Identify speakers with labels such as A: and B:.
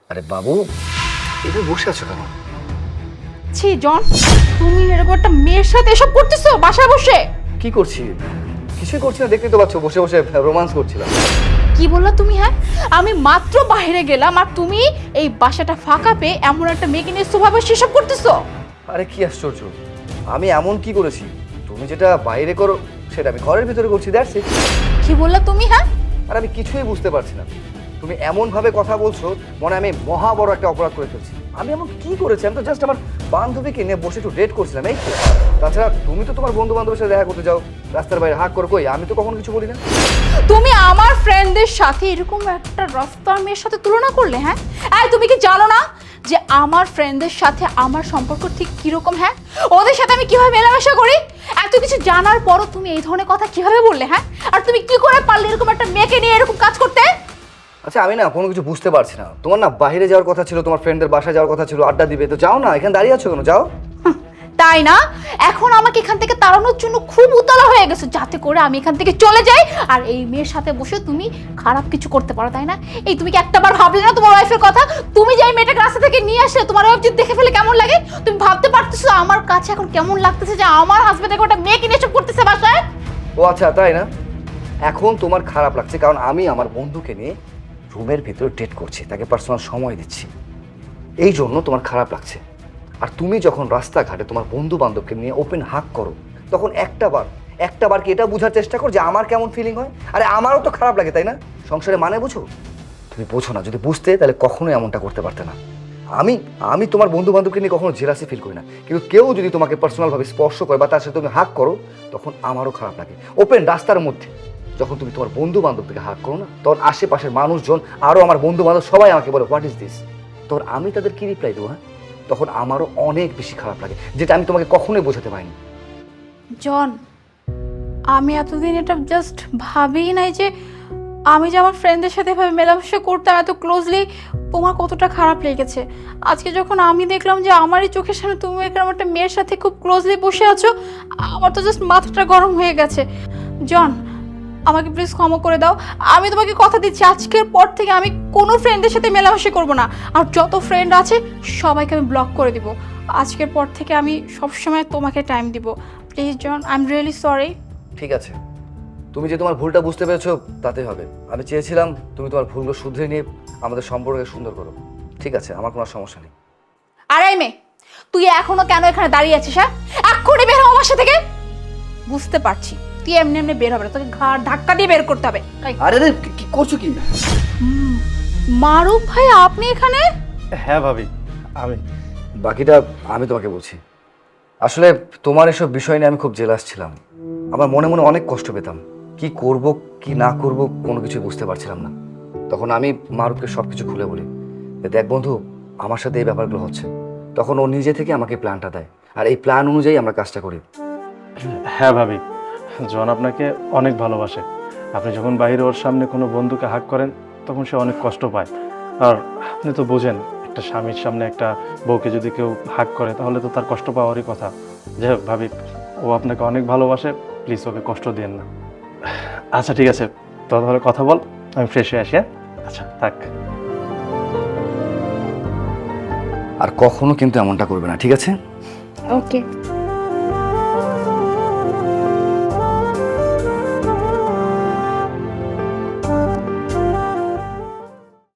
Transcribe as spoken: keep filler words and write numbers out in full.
A: আরে বাবু, এটা বসে আছো কেন?
B: ছি জন, তুমি এরকম একটা মেয়ের সাথে এসব করতেছো বাসায় বসে?
A: কি করছি? কিছুই করছি না, দেখতেই তো পাচ্ছ, বসে বসে রোমান্স করছিলাম।
B: কি বললা তুমি? হ্যাঁ, আমি মাত্র বাইরে গেলাম আর তুমি এই বাসাটা ফাঁকা পেয়ে এমন একটা মেয়েকে নিয়ে স্বভাবে সেসব করতেছো?
A: আরে কি আশ্চর্য, আমি এমন কি করেছি? তুমি যেটা বাইরে করো সেটা আমি ঘরের ভিতরে করছি, দ্যাটস ইট।
B: কি বললা তুমি? হ্যাঁ,
A: আর আমি কিছুই বুঝতে পারছি না, তুমি এমন ভাবে কথা বলছো মনে হয় আমি মহা বড় একটা অপরাধ করে ফেলছি। আমি এমন কি করেছি? আমি তো জাস্ট আমার বান্ধবীকে নিয়ে বসে একটু ডেট করছিলাম, এই তো। তাছাড়া তুমি তো তোমার বন্ধু বান্ধবের সাথে দেখা করতে যাও রাস্তার বাইরে, হাক করে, কই আমি তো কখনো কিছু বলি না।
B: তুমি আমার ফ্রেন্ডদের সাথে এরকম একটা রাস্তার মেয়ের সাথে তুলনা করলে? হ্যাঁ, এই তুমি কি জানো না যে আমার ফ্রেন্ডদের সাথে আমার সম্পর্ক ঠিক কিরকম? হ্যাঁ, ওদের সাথে আমি কিভাবে মেলামেশা করি? এত কিছু জানার পরও তুমি এই ধরনের কথা কিভাবে বললে? হ্যাঁ, আর তুমি কি করে পারলে এরকম একটা মেয়েকে নিয়ে এরকম কাজ করতে?
A: আচ্ছা, আমি না কোনো কিছু বুঝতে পারছি না। তোমার না বাইরে যাওয়ার কথা ছিল, তোমার ফ্রেন্ডদের বাসায় যাওয়ার কথা ছিল, আড্ডা দিবে, তো যাও না, এখানে দাঁড়িয়ে আছো কেন? যাও।
B: তাই না? এখন আমাকে এখান থেকে তাড়ানোর জন্য খুব উতলা হয়ে গেছে যাতে করে আমি এখান থেকে চলে যাই আর এই মেয়ের সাথে বসে তুমি খারাপ কিছু করতে পারো, তাই না? এই তুমি কি একটাবার ভাবলে না তোমার ওয়াইফের কথা? তুমি যে এই মেয়েটাকে রাস্তা থেকে নিয়ে আসলে তোমার ওয়াইফ যদি দেখে ফেলে কেমন লাগে? তুমি ভাবতে পারতেছো আমার কাছে এখন কেমন লাগতেছে যে আমার হাজবেন্ড একটা মেয়েকে নিয়ে এসব করতেছে বাসায়?
A: ও আচ্ছা, তাই না? এখন তোমার খারাপ লাগছে কারণ আমি আমার বন্ধুকে নিয়ে রুমের ভিতরে ডেট করছি, তাকে পার্সোনাল সময় দিচ্ছি, এই জন্য তোমার খারাপ লাগছে। আর তুমি যখন রাস্তাঘাটে তোমার বন্ধু বান্ধবকে নিয়ে ওপেন হাক করো, তখন একটা বার একটা বার কি এটা বোঝার চেষ্টা করো যে আমার কেমন ফিলিং হয়? আরে আমারও তো খারাপ লাগে, তাই না? সংসারে মানে বুঝো? তুমি বোঝো না, যদি বুঝতে তাহলে কখনোই এমনটা করতে পারতে না। আমি আমি তোমার বন্ধু বান্ধবকে নিয়ে কখনো জেলাসি ফিল করি না, কিন্তু কেউ যদি তোমাকে পার্সোনালভাবে স্পর্শ করে বা তার সাথে তুমি হাক করো, তখন আমারও খারাপ লাগে। ওপেন রাস্তার মধ্যে যখন তুমি তোমার বন্ধু বান্ধব থেকে হাক করো না, তখন আশেপাশের মানুষজন, আরও আমার বন্ধু বান্ধব সবাই আমাকে বলে হোয়াট ইজ দিস, তখন আমি তাদের কি রিপ্লাই দেবো? হ্যাঁ, তখন আমারও অনেক বেশি খারাপ লাগে, যেটা আমি তোমাকে কখনোই বোঝাতে পারিনি।
B: জন, আমি এতদিন এটা জাস্ট ভাবিই নাই যে আমি যে আমার ফ্রেন্ডদের সাথে এভাবে মেলামেশা করতাম এত ক্লোজলি, তোমার কতটা খারাপ লেগেছে। আজকে যখন আমি দেখলাম যে আমারই চোখের সামনে তুমি এরকম একটা মেয়ের সাথে খুব ক্লোজলি বসে আছো, আমার তো জাস্ট মাথাটা গরম হয়ে গেছে। জন, আমাকে প্লিজ ক্ষমা করে দাও। আমি তোমাকে কথা দিচ্ছি আজকের পর থেকে আমি কোনো ফ্রেন্ডের সাথে মেলামেশা করব না, আর যত ফ্রেন্ড আছে সবাইকে আমি ব্লক করে দিব। আজকের পর থেকে আমি সবসময় তোমাকে টাইম দিব। Please John, I am really sorry.
A: ঠিক আছে, তুমি যে তোমার ভুলটা বুঝতে পেরেছো তাতে হবে। আমি চেয়েছিলাম তুমি তোমার ভুলগুলো শুধরে নিয়ে আমাদের সম্পর্ককে সুন্দর করো। ঠিক আছে, আমার কোনো সমস্যা নেই।
B: আর এই মেয়ে, তুই এখনো কেন এখানে দাঁড়িয়ে আছিস? হ্যাঁ, এক্ষুনি বের হ আমার বাসা থেকে। বুঝতে পারছি তুই এমনি এমনি বের হবে না, তোকে ঘাড় ধাক্কা দিয়ে বের করতে হবে।
A: আরে রে, কি করছো কি?
B: মারুফ ভাই, আপনি এখানে?
C: হ্যাঁ ভাবি, আমি।
A: বাকিটা আমি তোমাকে বলছি। আসলে তোমার এসব বিষয় নিয়ে আমি খুব জেলাস ছিলাম। আমার মনে মনে অনেক কষ্ট পেতাম, কি করব কি না করব কোনো কিছু বুঝতে পারছিলাম না। তখন আমি মারুফকে সব কিছু খুলে বলি, দেখ বন্ধু, আমার সাথে এই ব্যাপারগুলো হচ্ছে। তখন ও নিজে থেকে আমাকে প্ল্যানটা দেয়, আর এই প্ল্যান অনুযায়ী আমরা কাজটা করি।
C: হ্যাঁ ভাবি, জন আপনাকে অনেক ভালোবাসে। আপনি যখন বাইরে ওর সামনে কোনো বন্ধুকে হাক করেন তখন সে অনেক কষ্ট পায়। আর আপনি তো বোঝেন, একটা স্বামীর সামনে একটা বউকে যদি কেউ হাক করে তাহলে তো তার কষ্ট পাওয়ারই কথা। যাই হোক ভাবি, ও আপনাকে অনেক ভালোবাসে, প্লিজ ওকে কষ্ট দিন না। আচ্ছা ঠিক আছে, তো তাহলে কথা বল, আমি ফ্রেশ হয়ে আসি। হ্যাঁ, আচ্ছা থাক।
A: আর কখনো কিন্তু এমনটা করবে না, ঠিক আছে?
B: ওকে।